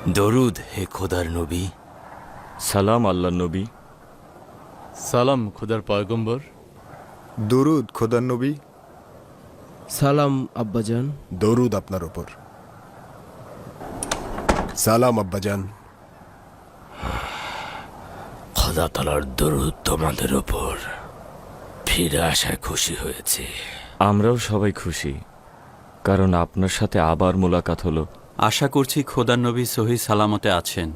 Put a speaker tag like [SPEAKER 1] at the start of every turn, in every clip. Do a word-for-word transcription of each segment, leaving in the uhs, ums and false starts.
[SPEAKER 1] দরুদ হে খোদার নবী।
[SPEAKER 2] সালাম আল্লাহ নবী।
[SPEAKER 3] সালাম খোদার পয়গম্বর।
[SPEAKER 4] দরুদ খোদার নবী।
[SPEAKER 5] সালাম আব্বাজান।
[SPEAKER 4] দরুদ আপনার ওপর। সালাম আব্বাজান।
[SPEAKER 1] খোদা তাআলার দরুদ তোমাদের ওপর। ফিরে আসায় খুশি হয়েছে।
[SPEAKER 2] আমরাও সবাই খুশি, কারণ আপনার সাথে আবার মোলাকাত হলো।
[SPEAKER 6] আশা করছি খোদার নবী সহি সালামতে আছেন।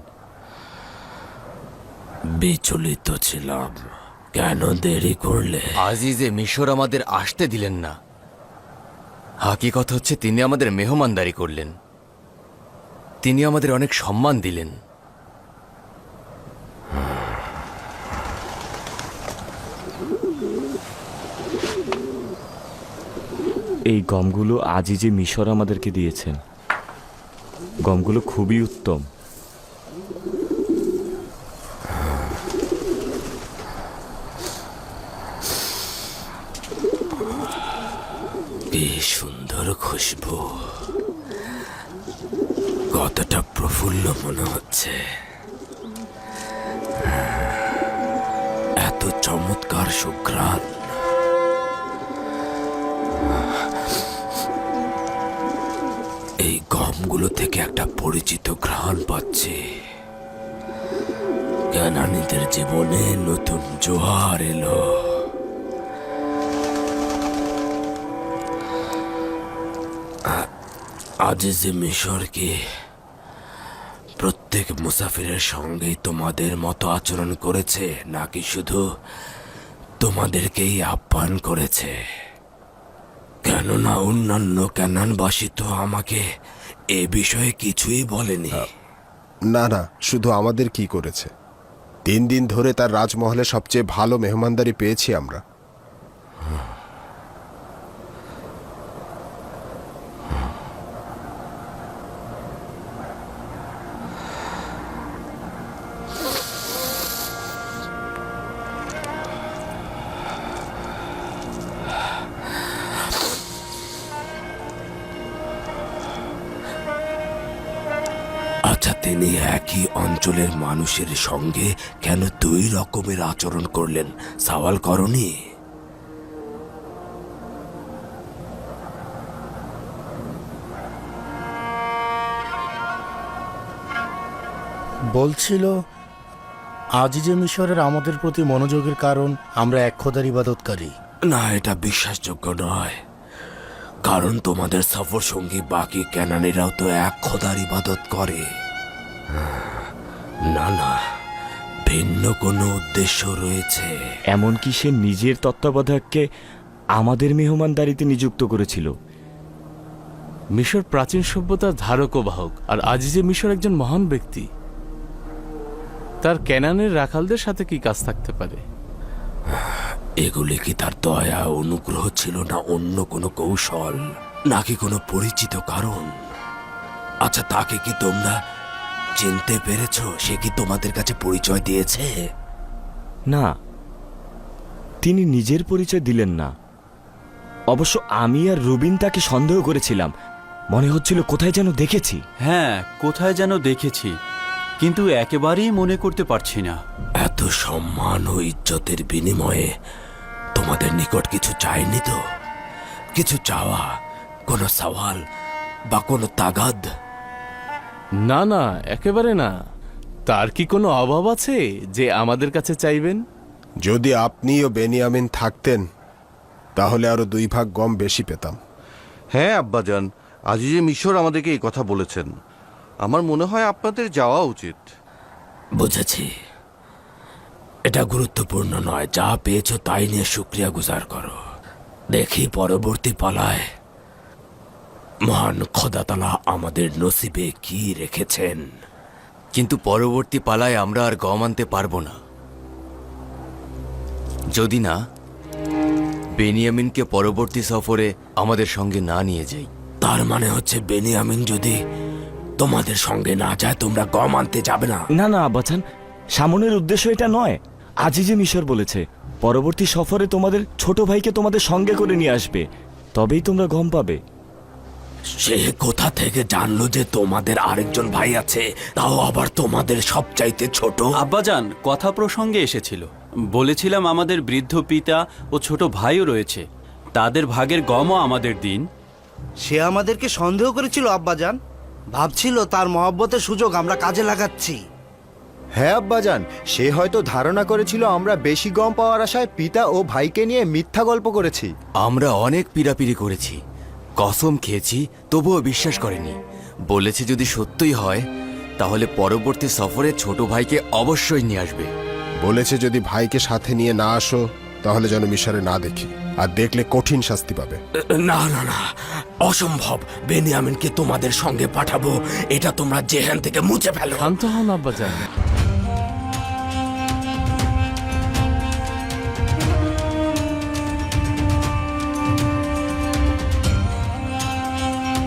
[SPEAKER 1] বিচলিত ছিলাম, কেন দেরি করলে? আজিজে মিশর আমাদের আসতে দিলেন না। হাকিকত হচ্ছে তিনি আমাদের মেহমানদারি করলেন, তিনি আমাদের অনেক সম্মান দিলেন।
[SPEAKER 2] এই গমগুলো আজই যে মিশর আমাদেরকে দিয়েছেন, গমগুলো খুবই উত্তম।
[SPEAKER 1] কি সুন্দর খুশবু, কতটা প্রফুল্ল মনে হচ্ছে। এত চমৎকার সুঘ্রাণ। এই গমগুলো থেকে একটা পরিচিত ঘ্রাণ পাচ্ছি। কানানীদের জীবনে নতুন জোয়ার এলো। আজিজে মিশর কি প্রত্যেক মুসাফিরের সঙ্গেই তোমাদের মতো আচরণ করেছে, নাকি শুধু তোমাদেরকেই আহ্বান করেছে? কেননা অন্যান্য ক্যানানবাসী তো আমাকে এ বিষয়ে কিছুই বলেনি।
[SPEAKER 4] না না, শুধু আমাদের কি করেছে। তিন দিন ধরে তার রাজমহলে সবচেয়ে ভালো মেহমানদারি পেয়েছি আমরা।
[SPEAKER 1] আচ্ছা, তিনি একই অঞ্চলের মানুষের সঙ্গে কেন দুই রকমের আচরণ করলেন, সওয়াল করনি?
[SPEAKER 7] বলছিল আজিজে মিশরের আমাদের প্রতি মনোযোগের কারণ আমরা এক খোদার ইবাদতকারী।
[SPEAKER 1] না, এটা বিশ্বাসযোগ্য নয়, কারণ তোমাদের সফর সঙ্গী বাকি ক্যানানিরাও তো এক খোদার ইবাদত করে। না না, ভিন্ন কোনো উদ্দেশ্য রয়েছে।
[SPEAKER 2] এমনকি সে নিজের তত্ত্বাবধায়ককে আমাদের মেহমানদারিতে নিযুক্ত করেছিল।
[SPEAKER 3] মিশর প্রাচীন সভ্যতার ধারক ও বাহক, আর আজিজে মিশর একজন মহান ব্যক্তি। তার ক্যানানের রাখালদের সাথে কি কাজ থাকতে পারে?
[SPEAKER 1] এগুলি কি তার দয়া অনুগ্রহ ছিল, না অন্য কোনো কৌশল, নাকি কোনো পরিচিত কারণ? আচ্ছা, তাকে কি তোমরা চিনতে পেরেছ? সে কি তোমাদের কাছে পরিচয় দিয়েছে?
[SPEAKER 2] না, তিনি নিজের পরিচয় দিলেন না। অবশ্য আমি আর রুবিন তাকে সন্দেহ করেছিলাম, মনে হচ্ছিল কোথায় যেন দেখেছি।
[SPEAKER 6] হ্যাঁ, কোথায় যেন দেখেছি, কিন্তু একেবারেই মনে করতে পারছি না।
[SPEAKER 1] এত সম্মান ও ইজ্জতের বিনিময়ে তোমাদের নিকট কিছু চাইনি তো? কিছু চাওয়া, কোনো সওয়াল বা কোনো তাগাদ?
[SPEAKER 3] না না, একেবারে না। তার কি কোনো অভাব আছে যে আমাদের কাছে চাইবেন?
[SPEAKER 4] যদি আপনি ও বেনিয়ামিন থাকতেন তাহলে আরো দুই ভাগ গম বেশি পেতাম।
[SPEAKER 8] হ্যাঁ আব্বাজান, আজিজে মিশর আমাদেরকে এই কথা বলেছেন। আমার মনে হয় আপনাদের যাওয়া উচিত।
[SPEAKER 1] বুঝেছি, এটা গুরুত্বপূর্ণ নয়। যা পেয়েছো তাই নিয়ে শুকরিয়া গুজার করো। দেখি পরবর্তী পালায় মহান খোদা তাআলা আমাদের নসিবে কি রেখেছেন। কিন্তু পরবর্তী পালায় আমরা আর গম আনতে পারবো না, যদি না বেনিয়ামিনকে পরবর্তী সফরে আমাদের সঙ্গে না নিয়ে যাই। তার মানে হচ্ছে বেনিয়ামিন যদি তোমাদের সঙ্গে না যায়, তোমরা গম আনতে যাবে না?
[SPEAKER 2] না না আব্বাজান, সামনের উদ্দেশ্য এটা নয়। আজই যে মিশর বলেছে পরবর্তী সফরে তোমাদের ছোট ভাইকে তোমাদের সঙ্গে করে নিয়ে আসবে, তবেই তোমরা গম পাবে।
[SPEAKER 1] সে কোথা থেকে জানলো যে তোমাদের আরেকজন ভাই আছে, তাও আবার তোমাদের সবচাইতে ছোট?
[SPEAKER 6] আব্বাজান কথা প্রসঙ্গে এসেছিল। বলেছিলাম আমাদের বৃদ্ধ পিতা ও ছোট ভাইও রয়েছে, তাদের ভাগের গমও আমাদের দিন।
[SPEAKER 9] সে আমাদেরকে সন্দেহ করেছিল আব্বাজান, ভাবছিল তার মহব্বতের সুযোগ আমরা কাজে লাগাচ্ছি।
[SPEAKER 10] হ্যাঁ আব্বাজান, সে হয়তো ধারণা করেছিল আমরা বেশি গম পাওয়ার আশায় পিতা ও ভাইকে নিয়ে মিথ্যা গল্প করেছি।
[SPEAKER 2] আমরা অনেক পিড়াপিড়ি করেছি, কসম খেয়েছি, তবুও বিশ্বাস করেনি। বলেছে যদি সত্যই হয় তাহলে পরবর্তী সফরে ছোট ভাইকে অবশ্যই নিয়ে আসবে।
[SPEAKER 4] বলেছে যদি ভাইকে সাথে নিয়ে না আসো তাহলে যেন মিশরে না দেখি, আর দেখলে কঠিন শাস্তি পাবে।
[SPEAKER 1] না না না, অসম্ভব। বেনিয়ামিনকে তোমাদের সঙ্গে পাঠাবো, এটা তোমরা জেহান থেকে মুছে ফেলো।
[SPEAKER 3] শান্ত হন আব্বাজান।